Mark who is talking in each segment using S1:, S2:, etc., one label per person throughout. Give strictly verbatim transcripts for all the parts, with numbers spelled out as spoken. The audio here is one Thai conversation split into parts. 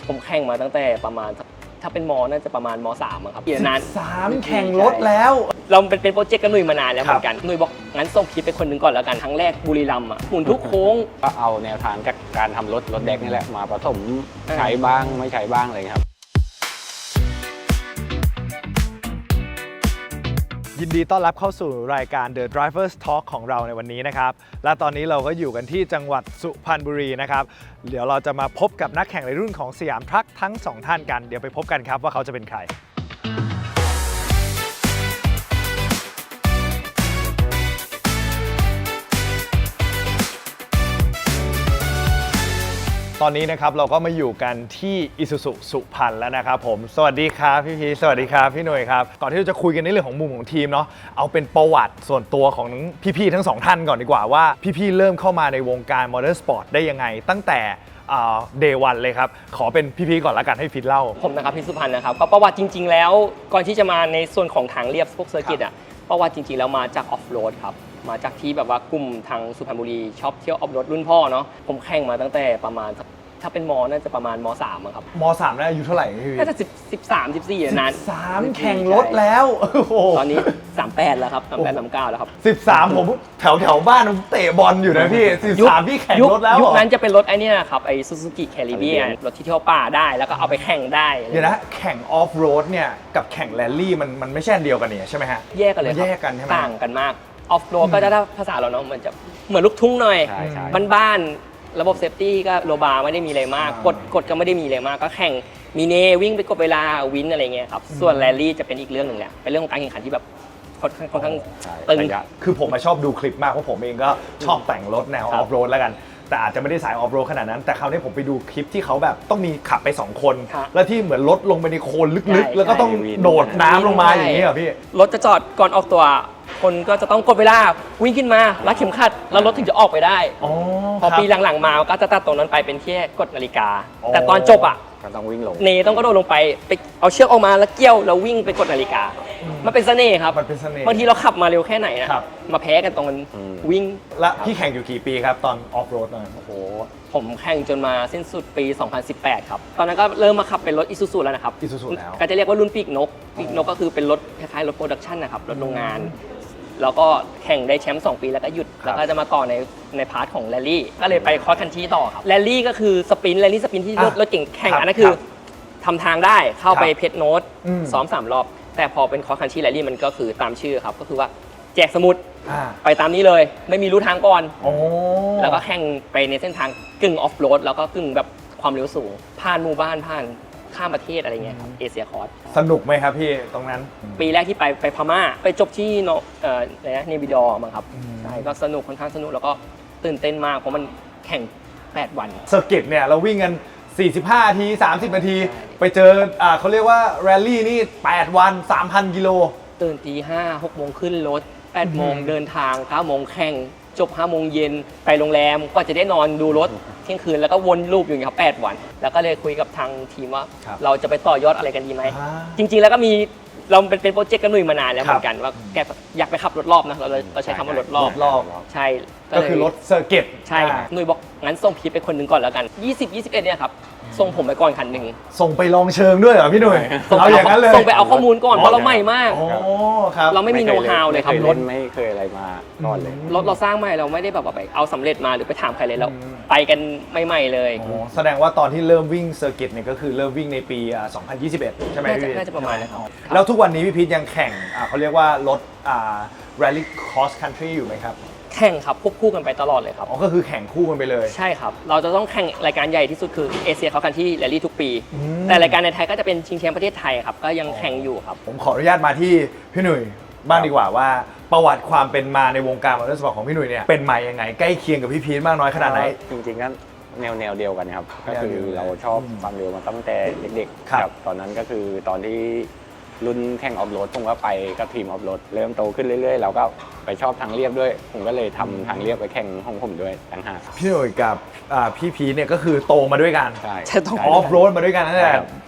S1: ผมแข่งมาตั้งแต่ประมาณถ้าเป็นมอน่าจะประมาณมสามครับปีนาน
S2: สามแข่งรถแล้ว
S1: เราเป็นเป็นโปรเจกต์กับหนุ่ยมานานแล้วเหมือนกันหนุ่ยบอกงั้นส่งคลิปไปคนหนึ่งก่อนแล้วกันครั้งแรกบุรีรัมย์อ่ะหมุนทุกโค้ง
S3: ก็เอาแนวทางจากการทำรถรถแดกนี่แหละมาผสมใช้บ้างไม่ใช้บ้างเลยครับ
S2: ยินดีต้อนรับเข้าสู่รายการ The Drivers Talk ของเราในวันนี้นะครับและตอนนี้เราก็อยู่กันที่จังหวัดสุพรรณบุรีนะครับเดี๋ยวเราจะมาพบกับนักแข่งในรุ่นของสยามทรัคทั้งสองท่านกันเดี๋ยวไปพบกันครับว่าเขาจะเป็นใครตอนนี้นะครับเราก็มาอยู่กันที่ Isuzu สุพรรณแล้วนะครับผมสวัสดีครับพี่พีสวัสดีครับพี่หนุ่ยครับก่อนที่เราจะคุยกันในเรื่องของมุมของทีมเนาะเอาเป็นประวัติส่วนตัวของพี่ๆทั้งสองท่านก่อนดีกว่าว่าพี่ๆเริ่มเข้ามาในวงการมอเตอร์สปอร์ตได้ยังไงตั้งแต่เดย์วันเลยครับขอเป็นพี่ๆก่อนละกันให้ฟิตเล่า
S1: ผมนะครับพี่สุพรรณนะครับก็ประวัติจริงๆแล้วก่อนที่จะมาในส่วนของทางเรียบพวกเซอร์กิตอ่ะประวัติจริงๆแล้วมาจากออฟโรดครับมาจากที่แบบว่ากลุ่มทางสุพรรณบุรีชอบเที่ยวออฟโรดรุ่นพ่อเนาะผมแข่งมาตั้งแต่ประมาณถ้าเป็นมอน่าจะประมาณมสามครับ
S2: มสามน่าอายุเท่าไหร่พี่
S1: น่าจะสิบ สิบสาม สิบสี่นาน
S2: สามแข่งรถแล้ว
S1: ตอนนี้สามแปดแล้วครับสามแปด สามเก้าแล้วครับ
S2: สิบสามผมแถวแถวบ้านผมเตะบอลอยู่นะพี่สิบสามพี่แข่งรถแล้ว
S1: ยุคนั้นจะเป็นรถไอ้นี่นะครับไอ้ซูซูกิแคริเบียนรถที่เที่ยวป่าได้แล้วก็เอาไปแข่งได้
S2: เดี๋ยวนะแข่งออฟโรดเนี่ยกับแข่งแรลลี่มันมันไม่ใช่อันเดียวกันเนี่ยใช่ไหมฮะ
S1: แยกกันเลย
S2: แยกกันใช่ไหม
S1: ต่างกันมากออฟโรดก็จะได้ภาษาเราเนาะมันจะเหมือนลูกทุ่งหน่อยบ้านระบบเซฟตี้ก็โลบาไม่ได้มีอะไรมากกดกดก็ไม่ได้มีอะไรมากก็แข่งมีเนวิ่งไปกดเวลาวินอะไรเงี้ยครับส่วนแรลลี่จะเป็นอีกเรื่องหนึ่งแหละเป็นเรื่องของการแข่งขันที่แบบค่อนข้างค่อนข้างตึง
S2: คือผมชอบดูคลิปมากเพราะผมเองก็ชอบแต่งรถแนวออฟโรดแล้วกันแต่อาจจะไม่ได้สายออฟโรดขนาดนั้นแต่คราวนี้ผมไปดูคลิปที่เขาแบบต้องมีขับไปสองคนแล้วที่เหมือนรถลงไปในโคลนลึกๆแล้วก็ต้องโดดน้ำลงมาอย่างนี้เหรอพี่
S1: รถจะจอดก่อนออกตัวคนก็จะต้องกดเวลาวิ่งขึ้นมารัดเข็มขัดแล้วรถถึงจะออกไปได้พอปีหลังๆมาก็จะตัดตรงนั้นไปเป็นแค่กดนาฬิกาแต่ตอนจบอ่ะ
S3: ก็ต้องวิ่งลง
S1: เนต้องก็โดดลงไปไปเอาเชือกออกมาแล้วเกี่ยวแล้ววิ่งไปกดนาฬิกามันเป็นเสน่ห์ครับ
S2: มันเป็นเสน่ห์
S1: บางทีเราขับมาเร็วแค่ไหนนะมาแพ้กันตรงมันวิ่ง
S2: แล้วพี่แข่งอยู่กี่ปีครับตอนออฟโรดหน่อย
S1: โอ้โหผมแข่งจนมาสิ้นสุดปีสองพันสิบแปดครับตอนนั้นก็เริ่มมาขับเป็นรถอิซูซุแล้วนะครับ
S2: อิซูซุแล้ว
S1: ก็จะเรียกว่ารุ่นปีกนกปีกนกก็คือเป็นรถคล้ายๆรถโปรดักชันนะครับรถโรงงานแล้วก็แข่งได้แชมป์สองปีแล้วก็หยุดแล้วก็จะมาต่อในในพาร์ทของแรลลี่ก็เลยไปคอร์สคันที่ต่อครับแรลลี่ก็คือสปรินต์แรลลี่สปรินต์ที่รถเก่งแข่งอันนั้นคือทำทางได้เข้าไปเพชรโน้ตซ้อมสามรอบแต่พอเป็นคอร์สคันที่แรลลี่มันก็คือตามชื่อครับก็คือว่าแจกสมุดไปตามนี้เลยไม่มีรู้ทางก่อนแล้วก็แข่งไปในเส้นทางกึ่งออฟโรดแล้วก็กึ่งแบบความเร็วสูงผ่านหมู่บ้านผ่านข้ามประเทศอะไรเงี้ยครับเอเชียคอร์ส
S2: สนุกไหมครับพี่ตรงนั้น
S1: ปีแรกที่ไปไปพม่าไปจบที่โนเอ่ออะไรนะเนบิดอร์มั้งครับใช่ก็สนุกค่อนข้างสนุกแล้วก็ตื่นเต้นมากเพราะมันแข่งแปดวัน
S2: เซอร์กิตเนี่ยเราวิ่งกันสี่สิบห้านาทีสามสิบนาทีไปเจออ่าเขาเรียกว่าแรลลี่นี่แปดวัน สามพัน กิโล
S1: ตื่นตีห้า หกโมงขึ้นรถแปดโมงเดินทางเก้าโมงแข่งจบห้าโมงเย็นไปโรงแรมก็จะได้นอนดูรถเที่ยงคืนแล้วก็วนลูปอยู่อย่างนี้ครับแปดวันแล้วก็เลยคุยกับทางทีมว่าเราจะไปต่อยอดอะไรกันดีไหมจริงๆแล้วก็มีเราเป็นเป็นโปรเจกต์กันหนุ่ยมานานแล้วเหมือนกันว่าแกอยากไปขับรถรอบนะเราเราใช้คำว่ารถรอบใช่
S2: ก็คือรถเซอร์กิต
S1: ใช่หนุ่ยบอกงั้นส่งคลิปไปคนหนึ่งก่อนแล้วกันยี่สิบ ยี่สิบเอ็ดเนี่ยครับส่งผมไปก่อนคันหนึ่ง
S2: ส่งไปลองเชิงด้วยเหรอพี่หนุ่ย
S1: เอาอย่างนั้นเลยส่งไปเอาข้อมูลก่อนเพราะเราใหม่มากเราไม่มีโน้ตฮาวเลยครับ
S3: รถไม่เคยอะไรมาก่อนเลย
S1: รถเราสร้างใหม่เราไม่ได้แบบว่าไปเอาสำเร็จมาหรือไปถามใครเลยเราไปกันใหม่ๆเลย
S2: แสดงว่าตอนที่เริ่มวิ่งเซอร์กิตเนี่ยก็คือเริ่มวิ่งในปีสองพันยี่สิบเอ็ดใช่ไหมพี่
S1: น่าจะประมาณนั้นครับ
S2: แล้วทุกวันนี้พี่พีทยังแข่งเขาเรียกว่ารถ Rally Cross Country อยู่ไหมครับ
S1: แข่งครับควบคู่กันไปตลอดเลยครับ
S2: อ๋อก็คือแข่งคู่กันไปเลย
S1: ใช่ครับเราจะต้องแข่งรายการใหญ่ที่สุดคือเอเชียเขากันที่แรลลี่ทุกปีแต่รายการในไทยก็จะเป็นชิงแชมป์ประเทศไทยครับก็ยังแข่งอยู่ครับ
S2: ผมขออนุญาตมาที่พี่หนุ่ยบ้างดีกว่าว่าประวัติความเป็นมาในวงการมอเตอร์สปอร์ตของพี่หนุ่ยเนี่ยเป็นมายังไงใกล้เคียงกับพี่พีทมากน้อยขนาดไหน
S3: จริงๆก็แนวแนวเดียวกันครับก็คือเราชอบความเร็วมาตั้งแต่เด็กๆครับตอนนั้นก็คือตอนที่รุ่นแข่งออฟโรดผมก็ไปกับทีมออฟโรดเริ่มโตขึ้นเรื่อยๆเราก็ไปชอบทางเรียบด้วยผมก็เลยทำทางเรียบไปแข่งของผมด้วยต่างหาก
S2: พี่หนุ่ยกับพี่พีเนี่ยก็คือโตมาด้วยกัน
S3: ใช่
S2: ออฟโรดมาด้วยกันตั้งแต่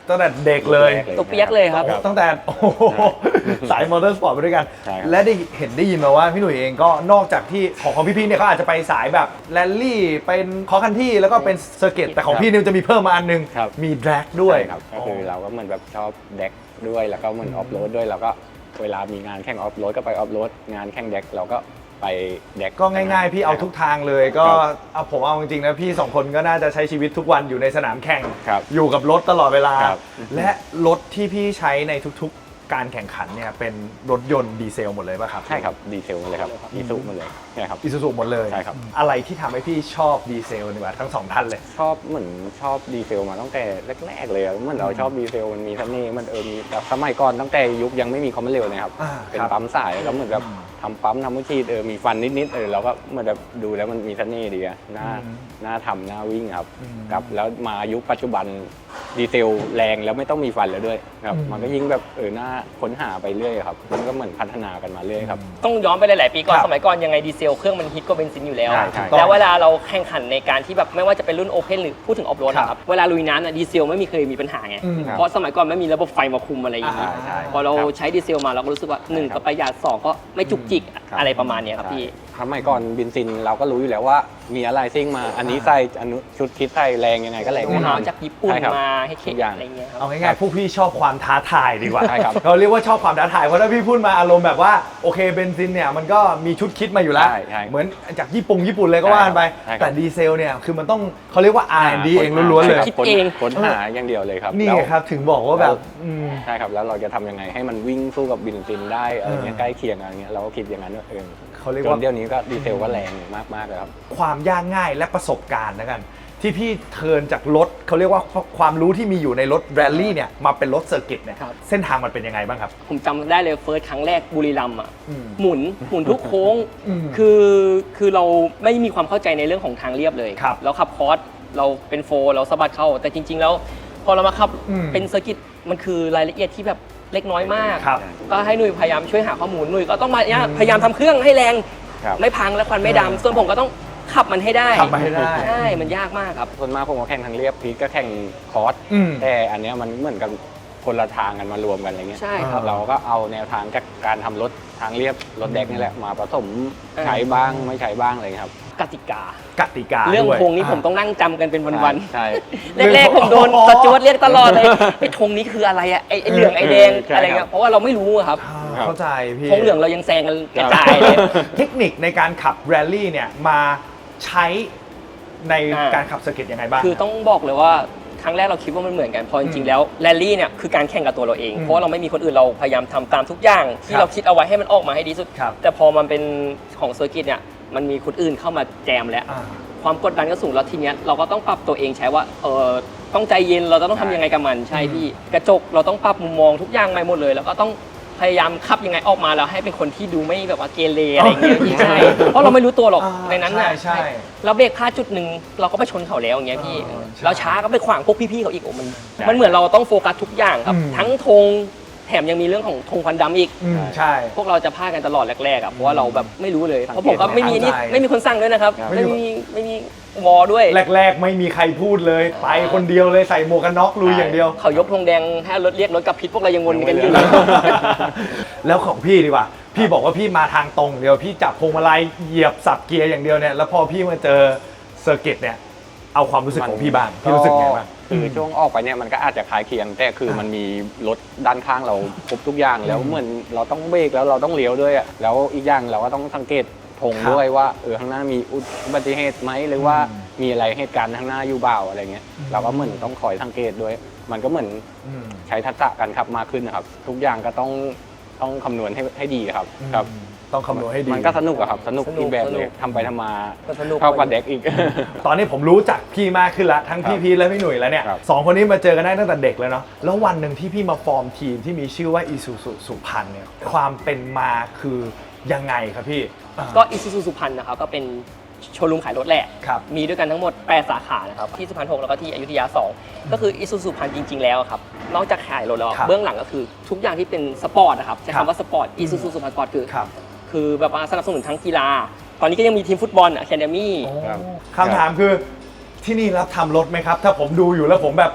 S2: ตั้งแต่เด็กเลย
S1: ตัวเปียกเลยครับ
S2: โอ้ตั้งแต่โอ้โหสายมอเตอร์สปอร์ตไปด้วยกัน
S3: ใช่ครับ
S2: และได้เห็นได้ยินมาว่าพี่หนุ่ยเองก็นอกจากที่ของของพี่ๆเนี่ยเขาอาจจะไปสายแบบแรลลี่เป็นคอคันที่แล้วก็เป็นเซอร์กิตแต่ของพี่เนี่ยจะมีเพิ่มมาอันนึง
S3: ครับ
S2: มีแดร็กด้วย
S3: ใช่ครับก็คือเราก็เหมือนแบบชอบแดกด้วยแล้วก็เหมือนออฟโรดด้วยแล้วก็เวลามีงานแข่งออฟโรดก็ไปออฟโรดงานแข่งแดกเราก็ไปแดก
S2: ก็ง่ายๆ พี่เอาทุกทางเลยก็เอาผมเอาจริงๆนะพี่สองคนก็น่าจะใช้ชีวิตทุกวันอยู่ในสนามแข่ง
S3: ครับ
S2: อยู่กับรถตลอดเวลา
S3: ครับ
S2: และรถที่พี่ใช้ในทุกๆการแข่งขันเนี่ยเป็นรถยนต์ดีเซลหมดเลยป่ะครับ
S3: ใช่ครับดีเซลหมดเลยครับอีซูหมดเลยใช่ครับ
S2: อิซูซูหมดเลย
S3: ใช่ครับ
S2: อะไรที่ทำให้พี่ชอบดีเซลนี่วะทั้งสองท่านเลย
S3: ชอบเหมือนชอบดีเซลมาตั้งแต่แรกๆเลยอะเหมือนเราชอบดีเซลมันมีเสน่ห์มันเออมีแบบสมัยก่อนตั้งแต่ยุคยังไม่มีคอมมอนเร็วนะครับ
S2: อ่า
S3: เป็น
S2: ครับ
S3: ปั๊มสายแล้วก็เหมือนแบบทำปั๊มทำมือชีดเออมีฟันนิดๆเออเราก็เหมือนแบบดูแล้วมันมีเสน่ห์ดีอะน่า
S2: อืม
S3: น่าทำน่าวิ่งครับ
S2: อืม
S3: ครับแล้วมายุคปัจจุบันดีเซลแรงแล้วไม่ต้องมีฟันแล้วด้วยครับ
S2: อืม
S3: มันก็ยิ่งแบบเออน่าค้นหาไปเรื่อยครับมันก็เหมือนพัฒนากันมาเรื่อยครับ
S1: ต้องย้อนไปหลาย ๆ ปีก่อน
S2: ครับ
S1: สมัยก่อนยังไงดีเซลเครื่องมันฮิตกว่าเบนซินอยู่แล้ว
S3: ใช่ใช่
S1: แล้วเวลาเราแข่งขันในการที่แบบไม่ว่าจะเป็นรุ่นโอเพนหรือพูดถึงออฟโรด
S2: ครับ
S1: นะครับเวลาลุยน้ำน่ะดีเซลไม่มีเคยมีปัญหาไง
S2: อืม
S1: เพราะสมัยก่อนไม่มีระบบไฟมาคุมอะไรอย่างนี้
S2: อ่าใช่
S1: พอเรา
S3: ครับ
S1: ใช้ดีเซลมาเราก็รู้สึกว่าหนึ่ง
S3: ใช่ครับ
S1: ก็ประหยัดสองก็ไม่จุกจิก
S3: ครับ
S1: อะไรประมาณเนี้ยครับพี่
S3: สมัยก่อนบินซินเราก็รู้อยู่แล้วว่ามีอะไรซิ่งมาอันนี้ใส่อันนู้นชุดคิดใส่แรงยังไงก็แรง
S1: รอง
S3: แน่นอ
S1: เท้าน จากญี่ปุ่น
S3: ใช่ครับ
S1: มาให้เข็
S3: ทุกอย่าง
S1: อะไรเงี้ยครับ
S2: เอาง่ายๆพวกพี่ชอบความท้าทายดีกว่า
S3: ใช่ครับ
S2: เราเรียกว่าชอบความท้าทายเพราะถ้าพี่พูดมาอารมณ์แบบว่าโอเคเบนซินเนี่ยมันก็มีชุดคิดมาอยู่แล้ว
S3: ใช่ใช่
S2: เหมือนจากญี่ปุ่งญี่ปุ่นเลยก็ว่ากันไป
S3: ใช่ครับ
S2: แต่ดีเซลเนี่ยคือมันต้องเขาเรียกว่า อาร์ แอนด์ ดี เองล้วนๆเลย
S1: คิดเอง
S3: ค้นหาอย่างเดียวเลยครับ
S2: นี่
S3: แล้ว
S2: ไงครับถึงบอกว่าแบบอืม
S3: ใช่ครับแล้วเราจะทำยังไงให้มันวิ่งสู้กับบินซินได้อะไรเงี้ย
S2: เออ
S3: ใกล้เคียงอะไรเงี้ยเราก็คิดอย่างนั้นว่าเออ
S2: เขาเรียก
S3: จ
S2: ว่า
S3: นเดี๋ยวนี้ก็ดีเซลก็แรงมากๆเลยครับ
S2: ความยากง่ายและประสบการณ์นะกัน ที่พี่เทิร์นจากรถเขาเรียกว่าความรู้ที่มีอยู่ในรถแรลลี่เนี่ยมาเป็นรถเซอร์กิตเนี่ย
S1: ครับ
S2: เส้นทางมันเป็นยังไงบ้างครับ
S1: ผมจำได้เลยเฟิร์สครั้งแรกบุรีรัมย์อ่ะ
S2: อืม
S1: หมุนหมุนทุกโค้ง
S2: อืม
S1: คือคือเราไม่มีความเข้าใจในเรื่องของทางเรียบเลย
S2: ครับ
S1: เราขับคอร์สเราเป็นโฟร์เราสะบัดเข้า แต่จริง ๆ แล้วพอเรามาขับ
S2: อืม
S1: เป็นเซอร์กิตมันคือรายละเอียดที่แบบเล็กน้อยมาก
S2: ครับ
S1: ก็ให้หนุ่ยพยายามช่วยหาข้อมูลหนุ่ยก็ต้องมาเนี่ยพยายามทำเครื่องให้แรง
S3: ครับ
S1: ไม่พังและควันไม่ดำส่วนผมก็ต้องขับมันให้ได้
S2: ขับมาให้ได้
S1: ใช่มันยากมากครับ
S3: ส่วนมากผมก็แข่งทางเรียบพีทก็แข่งคอร์ส
S2: อืม
S3: แต่อันเนี้ยมันเหมือนกับคนละทางกันมารวมกันอะไรเงี้ย
S1: ใช่ครับ
S3: เราก็เอาแนวทางจากการทำรถทางเรียบรถแดกนี่แหละมาผสม
S1: เออ
S3: ใช้บ้างไม่ใช้บ้างอะไรเงี้ยครับ
S1: กติกา
S2: กติกา
S1: เรื่อง
S2: ด้วย
S1: ธงนี้ผมต้องนั่งจำกันเป็นวันๆ
S3: ใช่
S1: แรกๆผมโดนสจวตเรียกตลอดเลยไอ้ธงนี้คืออะไรอะไอ้ไอ้เหลืองไอ้แดง
S3: ใช่
S1: อะไร
S3: ครั
S1: เงี้
S3: บ
S1: ยเพราะว่าเราไม่รู้อะครับ
S2: อ่า
S3: ครับ
S2: เข้าใจพี่
S1: ธงเหลืองเรายังแซงกันกระจายเลย
S2: เทคนิคในการขับแรลลี่เนี่ยมาใช้ใน
S1: อ่า
S2: การขับเซอร์กิตยังไงบ้าง
S1: คือต้องบอกเลยว่าครั้งแรกเราคิดว่ามันเหมือนกันพอจริงๆแล้วแรลลี่เนี่ยคือการแข่งกับตัวเราเอง
S2: อืม
S1: เพราะว่าเราไม่มีคนอื่นเราพยายามทำตามทุกอย่าง ที่
S2: ครับ
S1: เราคิดเอาไว้ให้มันออกมาให้ดีสุด
S2: ครับ
S1: แต่พอมันเป็นของเซอร์กิตเนี่ยมันมีคนอื่นเข้ามาแจมแล้ว
S2: อ่า
S1: ความกดดันก็สูงแล้วทีเนี้ยเราก็ต้องปรับตัวเองใช้ว่าเออต้องใจเย็นเราต้องทำยังไงกับมันใช่พี่กระจกเราต้องปรับมุมมองทุกอย่างใหม่หมดเลย แล้วก็ต้องพยายามขับยังไงออกมาแล้วให้เป็นคนที่ดูไม่แบบว่าเกเรอะไรอย่างเงี้ยพี่ใช่เพราะเราไม่รู้ตัวหรอก
S2: อ่า
S1: ในนั้นน่ะ
S2: ใช่ใช่
S1: เราเบรกพลาดจุดหนึ่งเราก็ไปชนเขาแล้วอย่างเงี้ยพี่
S2: อ่าใช่
S1: เราช้าก็ไปขวางพวกพี่ๆเขาอีกโอ้มัน
S3: ใช่
S1: มันเหมือนเราต้องโฟกัสทุกอย่างครับ
S2: อืม
S1: ทั้งธงแถมยังมีเรื่องของธงควันดำอีก
S2: อืมใช่
S1: พวกเราจะพลาดกันตลอดแรกๆอ่ะเพราะว่าเราแบบไม่รู้เลย
S3: สังเกต
S1: เพราะผมก็ไม่มีนี่
S2: ไม่เข้าใจ
S1: ไม่มีคนสั่งด้วยนะครับ
S3: ครับ
S1: ไม่มีไม่มีวอด้วย
S2: แรก ๆ ไม่มีใครพูดเลย ไปคนเดียวเลยใส่หมวกกันน็อกลุยอย่างเดียว
S1: เขายกธงแดงให้รถเรียกรถกับพิษพวกเรายังวนกันอยู่
S2: แล้วของพี่ดีกว่า พี่บอกว่าพี่มาทางตรงเดียว พี่จับพวงมาลัยเหยียบสับเกียร์อย่างเดียวเนี่ย แล้วพอพี่มาเจอเซอร์กิตเนี่ย เอาความรู้สึกของพี่บ้าง พี่รู้สึกไงบ้าง
S3: คือช่วงออกไปเนี่ยมันก็อาจจะคล้ายเคียง แต่คือมันมีรถด้านข้างเราครบทุกอย่างแล้วเหมือนเราต้องเบรกแล้วเราต้องเลี้ยวด้วยอะแล้วอีกอย่างเราก็ต้องสังเกตธง
S2: ครับ
S3: ด้วยว่าเออข้างหน้ามีอุบัติเหตุไหมหรือว่า
S2: อืม
S3: มีอะไรเหตุการณ์ข้างหน้าอยู่เปล่าอะไรเงี้ย
S2: อืม
S3: เราก็เหมือนต้องคอยสังเกตด้วย มันก็เหมือน
S2: อืม
S3: ใช้ทักษะการขับมากขึ้นนะครับ ทุกอย่างก็ต้องต้องคำนวณให้ให้ดีครับครับ
S2: ต้องคำนวณให้ดี
S3: มันก็สนุกอะครับสนุก
S1: สนุก
S3: อีกแบบ
S1: ส
S3: เล
S1: นุ
S3: ย
S1: ก
S3: ทำไปทำมา
S1: ก็สนุก
S3: เข้ากับเด็กอีก
S2: ตอนนี้ผมรู้จักพี่มากขึ้นแล้วทั้งพี่
S3: ครับ
S2: พีทและพี่หนุ่ยแล้วเนี่ย
S3: ครับ
S2: สองคนนี้มาเจอกันได้ตั้งแต่เด็กแล้วเนาะแล้ววันหนึ่งที่พี่มาฟอร์มทีมที่มีชื่อว่าอีซูซูสุพรรณเนี่ยความเป็นมาคือยังไงครับพี่อ่า
S1: ก็อิซูซูสุพรรณนะครับก็เป็นโชว์รูมขายรถแหละ
S2: ครับ
S1: มีด้วยกันทั้งหมดแปดสาขานะครับที่สุพรรณหกแล้วก็ที่อยุธยาสองก็คืออิซูซูสุพรรณจริง ๆ แล้วครับนอกจากขายรถแล้ว
S2: ครับ
S1: เบื้องหลังก็คือทุกอย่างที่เป็นสปอร์ตนะครับใช้
S2: ครับ
S1: คำว่าสปอร์ตอิซูซูสุพรรณสปอร์ตคือ
S2: ครับ
S1: คือแบบว่าสนับสนุนทั้งกีฬา ตอนนี้ก็ยังมีทีมฟุตบอลอะคาเดมี่
S3: ครับ
S2: คำถามคือที่นี่รับทำรถไหมครับ ถ้าผมดูอยู่แล้วผมแบบเฮ้ย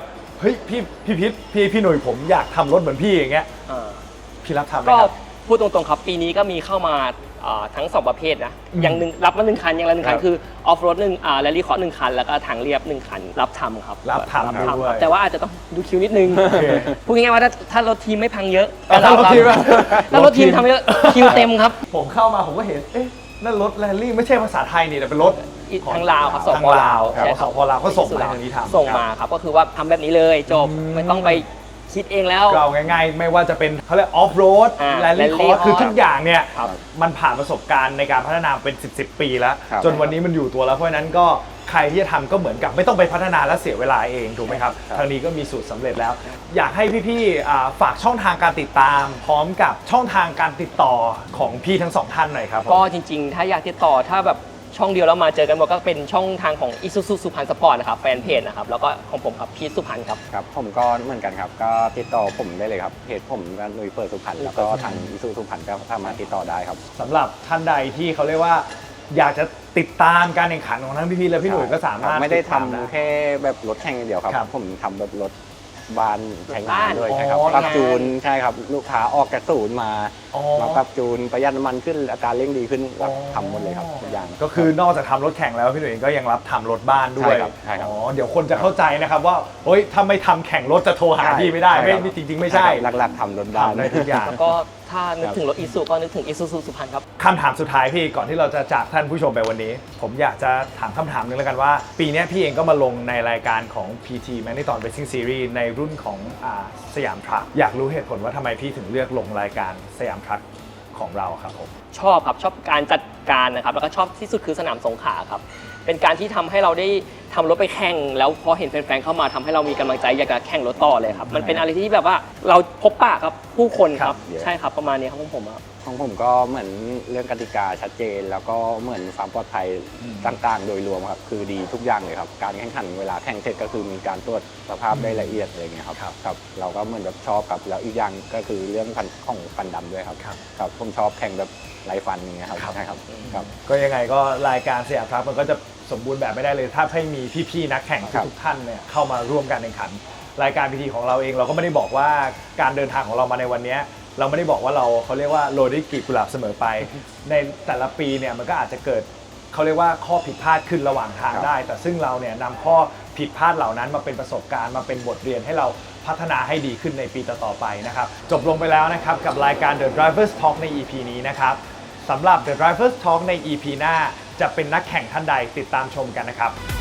S2: ฮ้ยพี่พี่พิษพี่พี่หนุ่ยผมอยากทำรถเหมือนพี่อย่างเงี้ย
S1: อ่า
S2: พี่รับทำไหม
S1: ก็
S2: ครับ
S1: พูดตรงๆครับปีนี้ก็มีเข้ามาอ่าทั้งสองประเภทนะ
S2: อืม
S1: อย่างหนึ่งรับมาหนึ่งคันอย่างละหนึ่งคั
S3: คน รับ
S1: คือออฟโรดหนึ่งอ่าแรลลี่คอร์สหนึ่งคันแล้วก็ทางเรียบหนึ่งคันรับทำครับ
S2: รับทำ
S1: รับ
S2: ด้วย
S1: ครับแต่ว่าอาจจะต้องดูคิวนิดนึง
S2: โอเค
S1: พูดง่ายๆว่าถ้าถ้ารถทีมไม่พังเยอะ
S2: เอาถ้ารถทีมอะ
S1: ถ้ารถทีมทำเยอะคิวเต็มครับ
S2: ผมเข้ามาผมก็เห็นเอ๊ะนั่นรถแรลลี่ไม่ใช่ภาษาไทยนี่แต่เป็นรถ
S1: อีกทางลาวครับส
S2: ทาง
S1: ป
S2: ลา
S1: ลาว ว
S2: ครับ
S1: ใช่
S2: สปลาวก็ส่งมาทางนี้ทำ
S1: ส่งมาครับก็คือว่าทำแบบนี้เลยจบ
S2: อืม
S1: ไม่ต้องไปคิดเองแล้ว
S2: ก็เอาง่ายๆ ไม่ว่าจะเป็นเขาเรียกออฟโรด
S1: อ่า
S2: แรลลี่คอ
S1: rally
S2: ร์สคือ
S1: course
S2: ทุกอย่างเนี่ย
S1: ครับ
S2: มันผ่านประสบการณ์ในการพัฒนาเป็นสิบสิบปีแล้ว
S3: ครับ
S2: จนวันนี้มันอยู่ตัวแล้วเพราะฉะนั้นก็ใครที่จะทำก็เหมือนกับไม่ต้องไปพัฒนาและเสียเวลาเองถูกไหมครับ
S3: ครับ
S2: ทางนี้ก็มีสูตรสำเร็จแล้ว อยากให้พี่ๆอ่าฝากช่องทางการติดตาม พร้อมกับช่องทางการติดต่อของพี่ทั้งสองท่านหน่อยครับ
S1: ก็จริงๆ ถ้าอยากติดต่อถ้าแบบช่องเดียวแล้วมาเจอกันหมดก็เป็นช่องทางของ Isuzu สุพรรณสปอร์ตนะครับแฟนเพจนะครับแล้วก็ของผมครับพีทสุพรรณครับ
S3: ครับผมก็เหมือนกันครับ ก็ติดต่อผมได้เลยครับเพจผมก็นุยเปิดสุพรรณแล้วก็ทางอิซูสุพรรณก็สามารถติดต่อได้ครับ
S2: สำหรับท่านใดที่เขาเรียกว่า อยากจะติดตามการแข่งขันของทั้งพี่ๆและพี่หนุ่ยก็สามารถ
S3: ครับไม่ได้
S2: ติ
S3: ทำ
S2: ตานะ
S3: แค่แบบรถแข่งอย่างเดียวครับ
S2: ครับ
S3: ผมทำแบบรถบ้านใช้งานด้วย
S2: รถบ้าน
S3: ใช่ครับ
S2: อ๋อ
S3: ปรับจูนใช่ครับลูกค้าออกจากศูนย์มา
S2: อ๋อ
S3: มาปรับจูนประหยัดน้ำมันขึ้นอัตราเร่งดีขึ้นรับทำหมดเลยครับทุกอย่าง
S2: ก็คือนอกจากทำรถแข่งแล้วพี่หนุ่ยเองก็ยังรับทำรถบ้านด้วย
S3: ใช่ครับใช่ครับ
S2: อ๋อเดี๋ยวคนจะเข้าใจนะครับว่าเฮ้ยถ้าไม่ทำแข่งรถจะโทรหาพี่ไม่ได้
S3: ใช่
S2: ไม่
S3: ครับ
S2: ไม่จริง ๆ ไม่ใช่
S3: หลักๆทำรถบ้าน
S2: ทำได้ทุกอย่าง
S1: แล้วก็ถ้านึกถึงรถอีซูก็นึกถึง Isuzu สุพรรณครับ
S2: คำถามสุดท้ายพี่ก่อนที่เราจะจากท่านผู้ชมไปวันนี้ ผมอยากจะถามคำถามหนึงแล้วกันว่า ปีนี้พี่เองก็มาลงในรายการของ พี ที Marathon Racing Series ในรุ่นของอ่าสยามทรัคอยากรู้เหตุผลว่าทำไมพี่ถึงเลือกลงรายการสยามทรัคของเราครับผม
S1: ชอบครับชอบการจัดการนะครับแล้วก็ชอบที่สุดคือสนามสงขลาครับเป็นการที่ทำให้เราได้ทำรถไปแข่งแล้วพอเห็นแฟนๆเข้ามาทำให้เรามีกำลังใจอยากจะแข่งรถต่อเลยครับมันเป็นอะไรที่แบบว่าเราพบปะครับผู้คนค
S2: ครั
S1: รับบ ใช่ครับประมาณนี้ครับของผมครับ
S3: ของผมก็เหมือนเรื่องกติกาชัดเจน แล้วก็เหมือนความปลอดภัยต่างๆ โดยรวมครับคือดีทุกอย่างเลยครับการแข่งขันเวลาแข่งเสร็จก็คือมีการตรวจสภาพได้ละเอียดอะไรเงี้ยครับครับเราก็เหมือนแบบชอบครับแล้วอีกอย่างก็คือเรื่องฟันของฟันดำด้วยครับครับผมชอบแข่งแบบไร้ฟันอย่างเงี้ยครับใช่ครับครับ
S2: ก็ยังไงก็รายการสยามทรัคมันก็จะสมบูรณ์แบบไม่ได้เลย ถ้าไม่มีพี่ๆนักแข่ง
S3: ครับ
S2: ทุกๆท่านเนี่ยเข้ามาร่วมการแข่งขัน รายการ พี ที ของเราเองเราก็ไม่ได้บอกว่าการเดินทางของเรามาในวันนี้เราไม่ได้บอกว่าเราเขาเรียกว่าโรยด้วยกลีบกุหลาบเสมอไป ในแต่ละปีเนี่ยมันก็อาจจะเกิดเขาเรียกว่าข้อผิดพลาดขึ้นระหว่างทาง
S3: ครับ
S2: ได้ แต่ซึ่งเราเนี่ยนำข้อผิดพลาดเหล่านั้นมาเป็นประสบการณ์มาเป็นบทเรียนให้เราพัฒนาให้ดีขึ้นในปีต่อๆไปนะครับจบลงไปแล้วนะครับกับรายการ The Drivers Talk ใน อี พี นี้นะครับสำหรับ The Drivers Talk ใน อี พี หน้าจะเป็นนักแข่งท่านใดติดตามชมกันนะครับ